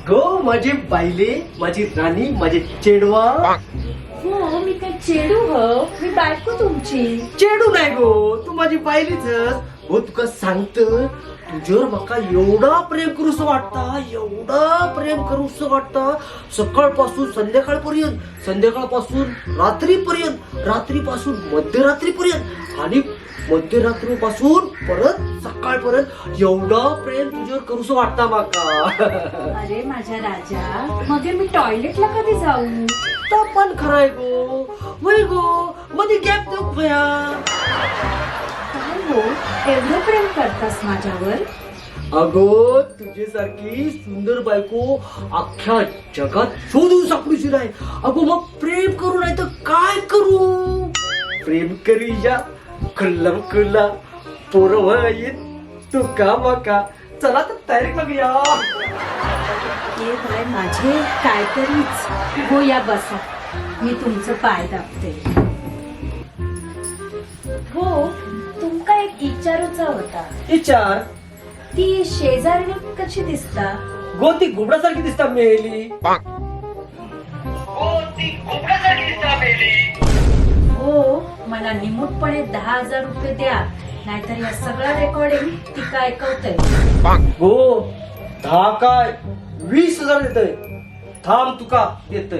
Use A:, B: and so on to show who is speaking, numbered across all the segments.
A: गो माझी बायले, माझी राणी, माझे चेडवा.
B: हो मी काय चेडू हो, मी बायको तुमची.
A: चेडू नाही गो, तू माझी बायलीच हो. तुका सांगत तुझ्यावर माका एवढा प्रेम करूस वाटता, एवढा प्रेम करूस वाटता. सकाळपासून संध्याकाळपर्यंत, संध्याकाळपासून रात्रीपर्यंत, रात्रीपासून मध्यरात्रीपर्यंत आणि मध्यरात्रीपासून परत सकाळपर्यंत एवढा प्रेम तुझ्यावर करूस वाटता माका.
B: अरे माझ्या राजा, मग मी टॉयलेटला कधी जाऊ?
A: तो पण खराय गो. वय गो, मध्ये गॅप देऊ भया.
B: काय हो, एवढं प्रेम करतास माझ्यावर?
A: अगो तुझ्यासारखी सुंदर बायको अख्ख्या जगात शोधून सापडूची नाही. अगो मग प्रेम करू नाही तर काय करू? प्रेम करूया खुल्लम खुल्ला पोरं येत तू का मका. चला तर तयारी बघूया.
B: हे बाय माझे काहीतरीच. हो या बसा, मी तुमचं पाय दाबते. हो तुमका एक विचारूचा होता.
A: विचार.
B: ती शेजारी कशी दिसता?
A: गो ती घुबडासारखी दिसता मेली.
B: हो मला निमूटपणे 10,000 रुपये द्या, नाहीतर या सगळं रेकॉर्डिंग ती काय ऐकवतंय.
A: गो 10 काय 20,000 देतय. थांब तुका देतय.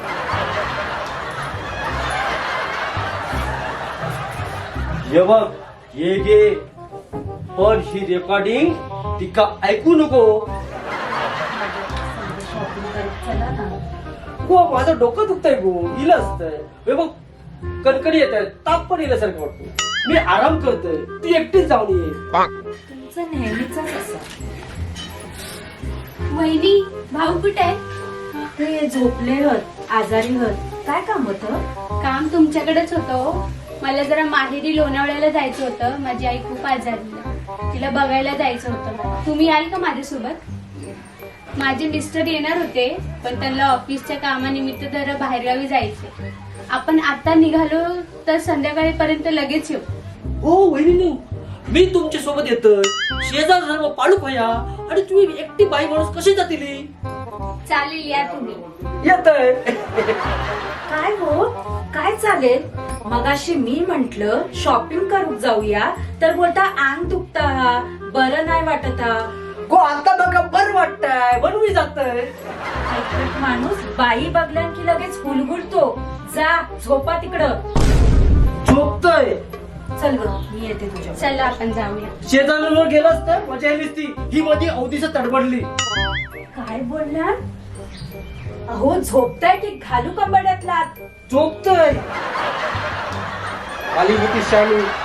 A: हे बघ हे घे, पण ही रेकॉर्डिंग तिका ऐकू नको.
B: शॉपिंग करत चला ना.
A: गो माझं डोकं दुखतंय गो, इलं असतंय. हे बघ कणकणी येत आहे, ताप पण इल्यासारखं वाटतो. मी आराम करतोय, ती एकटीच जाऊन ये.
B: तुमचं नेहमीच असं. वहिनी भाऊ कुठे आहे? ते झोपले होत, आजारी होत. काय काम होतं?
C: काम तुमच्याकडेच होतं. मला जरा माहेरी लोणावळ्याला जायचं होतं. माझी आई खूप आजारी आहे, तिला बघायला जायचं होतं. तुम्ही याल का माझ्यासोबत? माझे मिस्टर येणार होते, पण त्यांना ऑफिसच्या कामानिमित्त जरा बाहेरगावी जायचे. आपण आता निघालो तर संध्याकाळपर्यंत लगेच येऊ.
A: हो वहिनी, मी तुमच्या सोबत येतोय. शेजार सर्व पाळू भया आणि तुम्ही एकटी बाई माणूस कशी जातील?
C: चालेल या तुम्ही.
A: येतय.
B: काय हो, काय चालेल? मगाशी मी म्हंटल शॉपिंग करू जाऊया, तर बोलता अंग दुखता हा, बरं नाही वाटत हा.
A: गो आता बघा बरं वाटतंय म्हणून मी जातोय.
B: ऐकत माणूस बाई बघल्या की लगेच हुलहुलतो. जा झोपा तिकडं.
A: झोपतोय.
B: चल ग मी येते तुझ्या.
C: चला आपण जाऊया.
A: शेजाऱ्यांवर गेलास तर मजा आलीच ती. ही मध्ये अवधीच तडबडली.
B: काय बोलणार? अहो झोपताय की घालू कंबड्यातला?
A: झोपतोय. आली होती शालू.